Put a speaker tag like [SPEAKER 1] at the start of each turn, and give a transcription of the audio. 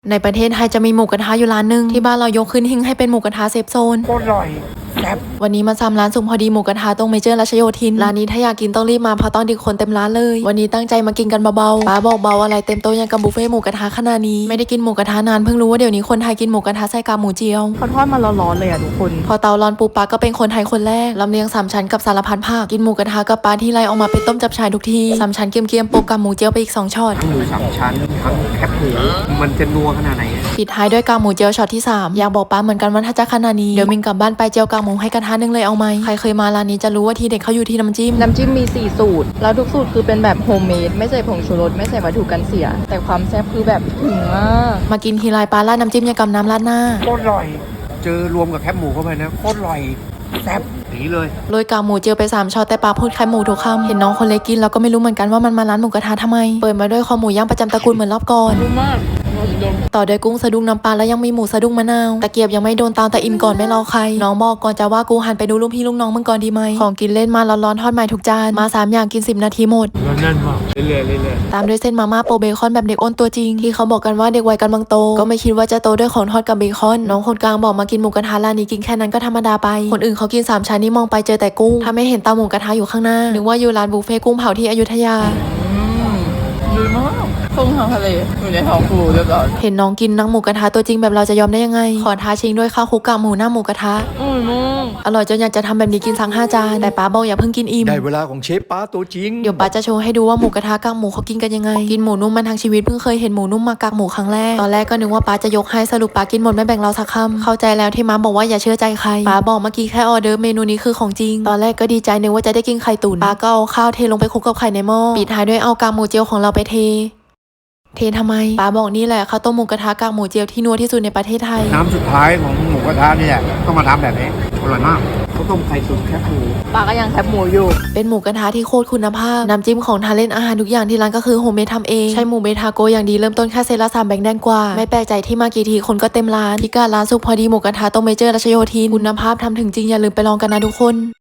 [SPEAKER 1] ในประเทศไทยจะมีหมูกระทะอยู่ร้านหนึ่งที่บ้านเรายกขึ้นหิ้งให้เป็นหมูกระทะเซฟโซน
[SPEAKER 2] โคตรอร่อยแซ่บ
[SPEAKER 1] วันนี้มาซ้ำร้านสุขพอดีหมูกระทะตรงเมเจอร์รัชโยธินร้านนี้ถ้าอยากกินต้องรีบมาเพราะตอนดึกคนเต็มร้านเลยวันนี้ตั้งใจมากินกันเบาๆป้าบอกเบาอะไรเต็มโต๊ะยังกับบุฟเฟ่หมูกระทะขนาดนี้ไม่ได้กินหมูกระทะนานเพิ่งรู้ว่าเดี๋ยวนี้คนไทยกินหมูกระทะใส่กากหมูเจียว
[SPEAKER 3] เขาทอดมาร้อนๆเลยอ่ะทุกคน
[SPEAKER 1] พอเตาร้อนปุ๊บป้าก็เป็นคนไทยคนแรกลำเลียง3 ชั้นกับสารพัดผักกินหมูกระทะกับป้าที่ไรออกมาเป็นต้มจับฉ่ายทุกที3 ชั้นเกียมๆโปะกับหมูเจียวไปอีก2 ช็อต
[SPEAKER 2] ทั้งหมู3 ชั้นทั้งแคบหมูมันจะนัวขนาดไหน
[SPEAKER 1] ปิดท้ายด้วยกากหมูเจียวช็อตที่3อยากบอกป้าเหมือนกันว่าถ้าจะขนาดนี้เดี๋ยวมิงกลับบ้านไปเจียวกากหมูให้กระทะนึงเลยเอาไหมใครเคยมาร้านนี้จะรู้ว่าทีเด็ดเขาอยู่ที่น้ำจิ้ม
[SPEAKER 3] มี4สูตรแล้วทุกสูตรคือเป็นแบบโฮมเมดไม่ใส่ผงชูรสไม่ใส่วัตถุกันเสียแต่ความแซ่บคือแบบถึงมาก
[SPEAKER 1] มากินทีไรปลาราดน้ำจิ้มยังกับน้ำราดหน้า
[SPEAKER 2] โคตรอร่อยเจอรวมกับแคบหมูเข้าไปนะโคตรอร่อยแซ่บนี้เลย
[SPEAKER 1] โรยกากหมูเจียวไป3 ช็อตแต่ปลาพูดแค่หมูทุกคำเห็นน้องคนเล็กกินแล้วก็ไม่รู้เหมือนกันว่ามันมาร้านหมูกระทะทำไมเปิดมาด้วยคอหมูย่างประจำตระกูลเหมือนรอบก่อน
[SPEAKER 3] มาก
[SPEAKER 1] ต่อด้วยกุ้งสะดุ้งน้ำปลาแล้วยังมีหมูสะดุ้งมะนาวตะเกียบยังไม่โดนเตาแต่อิ่มก่อนไม่รอใครน้องบอกก่อนจะว่ากูหันไปดูลูกพี่ลูกน้องมึงก่อนดีไหมของกินเล่นมาร้อนๆทอดใหม่ทุกจานมา3 อย่างกิน10 นาทีหมด
[SPEAKER 2] แน่นมากเรื่อย
[SPEAKER 1] ตามด้วยเส้นมาม่าโปเบคอนแบบเด็กอ้นตัวจริงที่เขาบอกกันว่าเด็กวัยกำลังโตก็ไม่คิดว่าจะโตด้วยของทอดกับเบคอนน้องคนกลางบอกมากินหมูกระทะร้านนี้กินแค่นั้นก็ธรรมดาไปคนอื่นเขากิน3 ชั้นนี่มองไปเจอแต่กุ้งถ้าไม่เห็นเตาหมูกระทะอยู่ข้างหน้านึกว่าอยู่ร้านบุฟเฟ่กุ้งเผาที่อยุธยา
[SPEAKER 3] ดีมากกุ้งทางทะเลอยู่ในท้องฟูเรียบร้อย
[SPEAKER 1] เห็นน้องกินนังหมูกระทะตัวจริงแบบเราจะยอมได้ยังไงขอท้าชิงด้วยข้าวคลุกกากหมูหน้าหมูกระทะอร่อยจนอยากจะทำแบบนี้กินสัง5 จานแต่ป้าบอกอย่าเพิ่งกินอิ่ม
[SPEAKER 2] ได้เวลาของเชฟป้าตัวจริง
[SPEAKER 1] เดี๋ยวป้าจะโชว์ให้ดูว่าหมูกระทะกากหมูเขากินกันยังไงกินหมูนุ่มมันทั้งชีวิตเพิ่งเคยเห็นหมูนุ่มมากากหมูครั้งแรกตอนแรกก็นึกว่าป้าจะยกให้สรุปป้ากินหมดไม่แบ่งเราสักคำเข้าใจแล้วที่ม้าบอกว่าอย่าเชื่อใจใครป้าบอกเมื่อกี้แค่ออเดอร์เมนูนี้คือของจริงตอนแรกก็ดีใจนึกว่าจะได้กินไข่ตุ๋นป้าก็เอาข้าวเทลงไปคลุกกับไข่ในหม้อปิดท้ายด้วยเอากากหมูเจียวของเราไปเททำไมป้าบอกนี่แหละข้าวต้มหมูกระทะกากหมูเจียวที่นัวที่สุดในประเทศไทย
[SPEAKER 2] น้ำสุดท้ายของหมูกระทะเนี่ยต้องมาทำแบบนี้อร่อยมากข้าวต้มไข่ตุ๋นแคบหมู
[SPEAKER 3] ป้าก็ยังแคบหมูอยู่
[SPEAKER 1] เป็นหมูกระทะที่โคตรคุณภาพน้ำจิ้มของทานเล่นอาหารทุกอย่างที่ร้านก็คือโฮมเมดทำเองใช้หมูเบทาโกอย่างดีเริ่มต้นแค่เซตละ3 แบงค์แดงกว่าไม่แปลกใจที่มากี่ทีคนก็เต็มร้านพิกัดร้านสุขพอดีหมูกระทะตรงเมเจอร์รัชโยธินคุณภาพทำถึงจริงอย่าลืมไปลองกันนะทุกคน